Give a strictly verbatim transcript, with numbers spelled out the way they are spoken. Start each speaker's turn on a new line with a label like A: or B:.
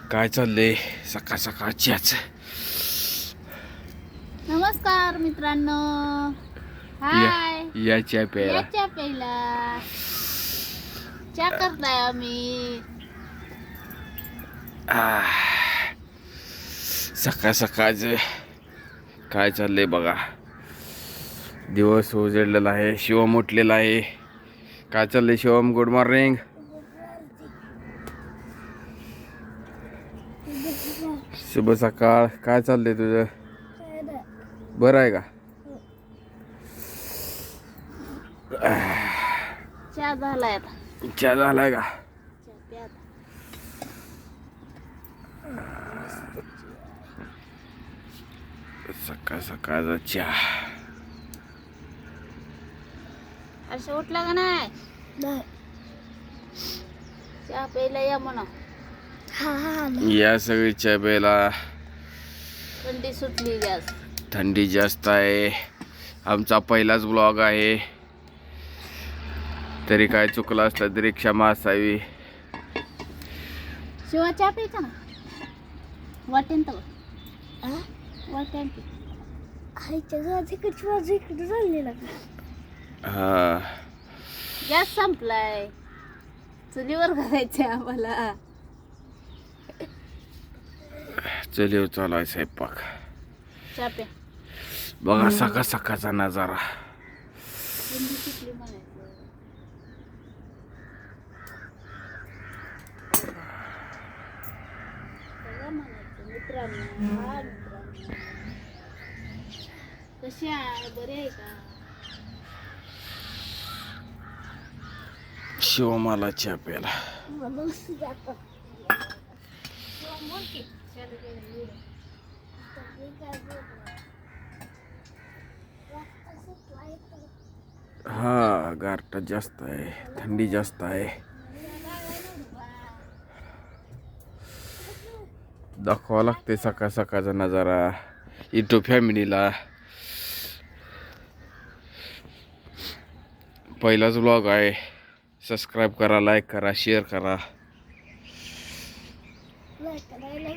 A: काय चाललंय सकाळ सकाळच्याच.
B: नमस्कार मित्रांनो. हाय.
A: या च्या प्यायला
B: याच्या पहिला चा करताय आम्ही.
A: आह, सकाळ सकाळच काय चाललंय बघा. दिवस उजळलेला आहे, शिवम उठलेला आहे. काय चाललंय शिवम? Good morning. शुभ सकाळ. काय चाललंय तुझं? बरं आहे का?
B: चा झालाय आता.
A: चहा झालाय का?
B: चा प्या आता.
A: सकाळ सकाळचा चहा.
B: असं उठला का नाही? चा प्यायला या म्हणा.
A: या सगळी चहा प्यायला.
B: थंडी सुटली जास्त.
A: थंडी जास्त आहे. आमचा पहिलाच ब्लॉग आहे, तरी काय चुकलं असलं तरी क्षमा असावी.
B: शिवा चा प्यायचा ना. वाटेन तर वाटेन की
C: आईच्या घरात इकडची बाजू इकडे झालेला
A: हा.
B: गॅस संपलाय. चुलीवर घालायचंय आम्हाला.
A: चलिव चालू आहे स्वयंपाक.
B: चा प्या.
A: बघा सकाळ सकाळचा नजारा.
B: थंडी सुटली म्हणायचं. सगळं म्हणायचं मित्रांनो. हा मित्रांनो, कशी आहे? बरे आहे का?
A: शिवमाला चहा प्यायला.
B: बोल की.
A: हा, गारठा जास्त आहे, थंडी जास्त आहे. दाखवावं लागते सकाळ सकाळचा नजारा युट्यूब फॅमिलीला. पहिलाच ब्लॉग आहे. सबस्क्राईब करा, लाईक करा, शेअर करा.